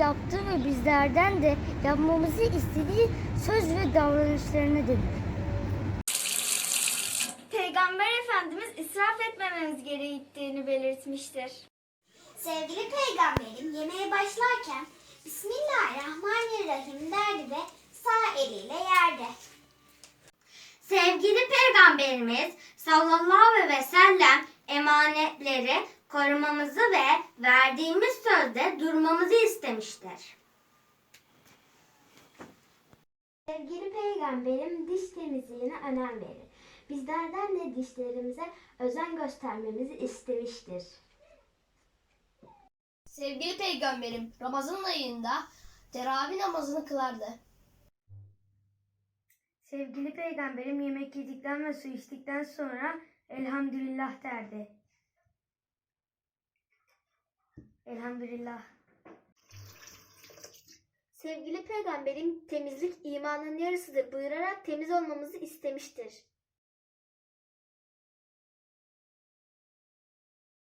yaptığı ve bizlerden de yapmamızı istediği söz ve davranışlarına denir. Peygamber Efendimiz israf etmememiz gerektiğini belirtmiştir. Sevgili peygamberim yemeğe başlarken Bismillahirrahmanirrahim derdi ve sağ eliyle yerdi. Sevgili Peygamberimiz sallallahu aleyhi ve sellem emanetleri korumamızı ve verdiğimiz sözde durmamızı istemiştir. Sevgili peygamberim diş temizliğine önem verir. Bizlerden de dişlerimize özen göstermemizi istemiştir. Sevgili peygamberim Ramazan ayında teravih namazını kılardı. Sevgili peygamberim yemek yedikten ve su içtikten sonra elhamdülillah derdi. Elhamdülillah. Sevgili peygamberim temizlik imanın yarısıdır buyurarak temiz olmamızı istemiştir.